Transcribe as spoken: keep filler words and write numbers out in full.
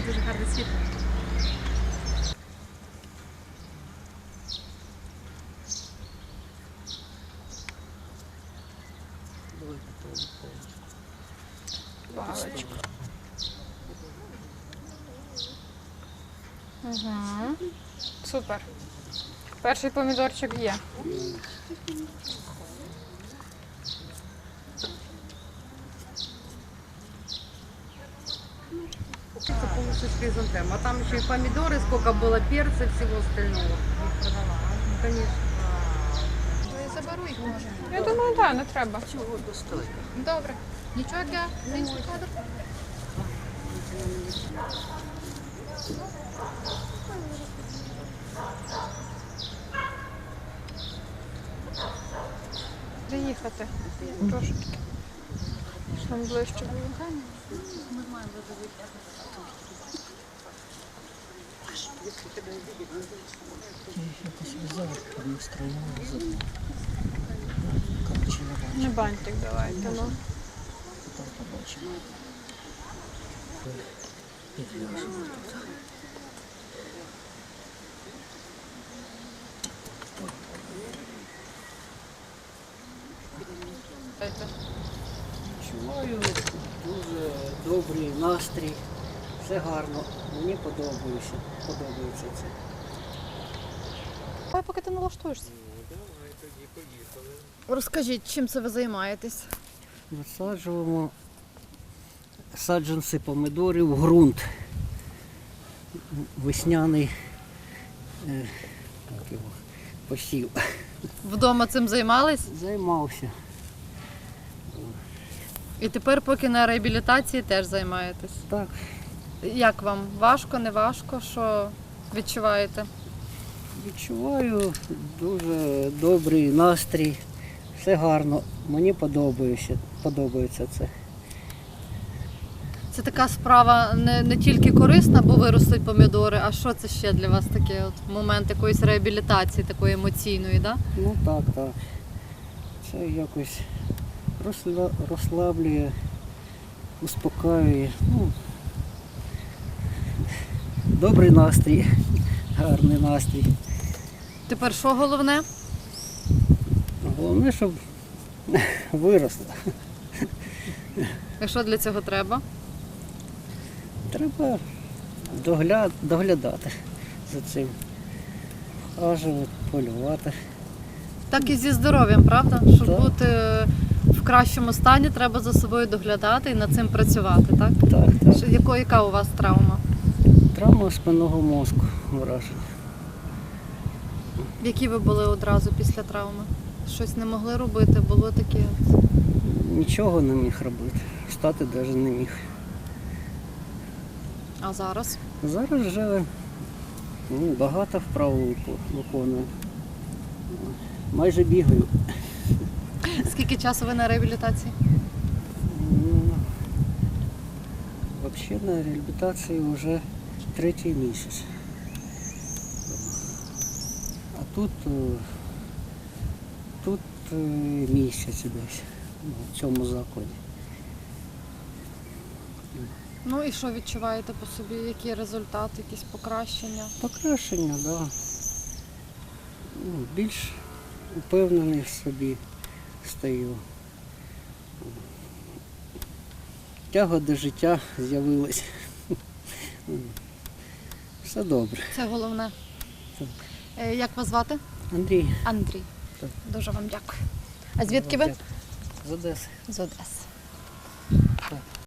Це дуже гарне світло. Паличка. Угу. Супер. Перший помідорчик є. Это полностью с хризантем. А там еще и помидоры, сколько было перца и всего остального. Ну, конечно. Я заберу їх, може. Я думаю, так, не треба. Добре. Нічого для українського кадру? Приїхати. Трошки. Там ближче було. Якось взяв, настроєння забув. Коротше, я бачу, Не бантик давайте, ну. потім побачимо. Підв'яжемо тут. Відчуваю дуже добрий настрій. Все гарно. Мені подобається. Подобається це. Давай, поки ти налаштуєшся. Розкажіть, чим це ви займаєтесь? Висаджуємо саджанці помидорів в ґрунт. Весняний е, як його, посів. Вдома цим займались? Займався. І тепер, поки на реабілітації, теж займаєтесь. Так, Як вам? Важко, не важко? Що відчуваєте? відчуваю дуже добрий настрій. Все гарно. Мені подобається, подобається це. Це така справа не, не тільки корисна, бо виростуть помідори, а що це ще для вас таке от момент якоїсь реабілітації, такої емоційної, да? Ну так, так. Це якось розсла- розслаблює, успокаює. Ну, добрий настрій, гарний настрій. Тепер що головне? Головне, щоб виросло. І що для цього треба? Треба догля- доглядати за цим. Хажувати, полювати. Так і зі здоров'ям, правда? Щоб Так. бути в кращому стані, треба за собою доглядати і над цим працювати, так? Так, так. Що- Яко, яка у вас травма? Травма спинного мозку враження. Які ви були одразу після травми? Щось не могли робити, було таке. Нічого не міг робити. Встати навіть не міг. А зараз? Зараз вже ну, багато вправ вику- виконую. Майже бігаю. Скільки часу ви на реабілітації? Ну, взагалі на реабілітації вже третій місяць. А тут, е, тут е, місяць десь ну, в цьому закладі. Ну і що відчуваєте по собі? Які результати, якісь покращення? Покращення, так. Да. Ну, більш упевнений в собі стаю. Тяга до життя з'явилась. Все добре. Це головне. Так. Е, Як вас звати? Андрій. Андрій. Так. Дуже вам дякую. А звідки ви? З Одеси. З Одеси.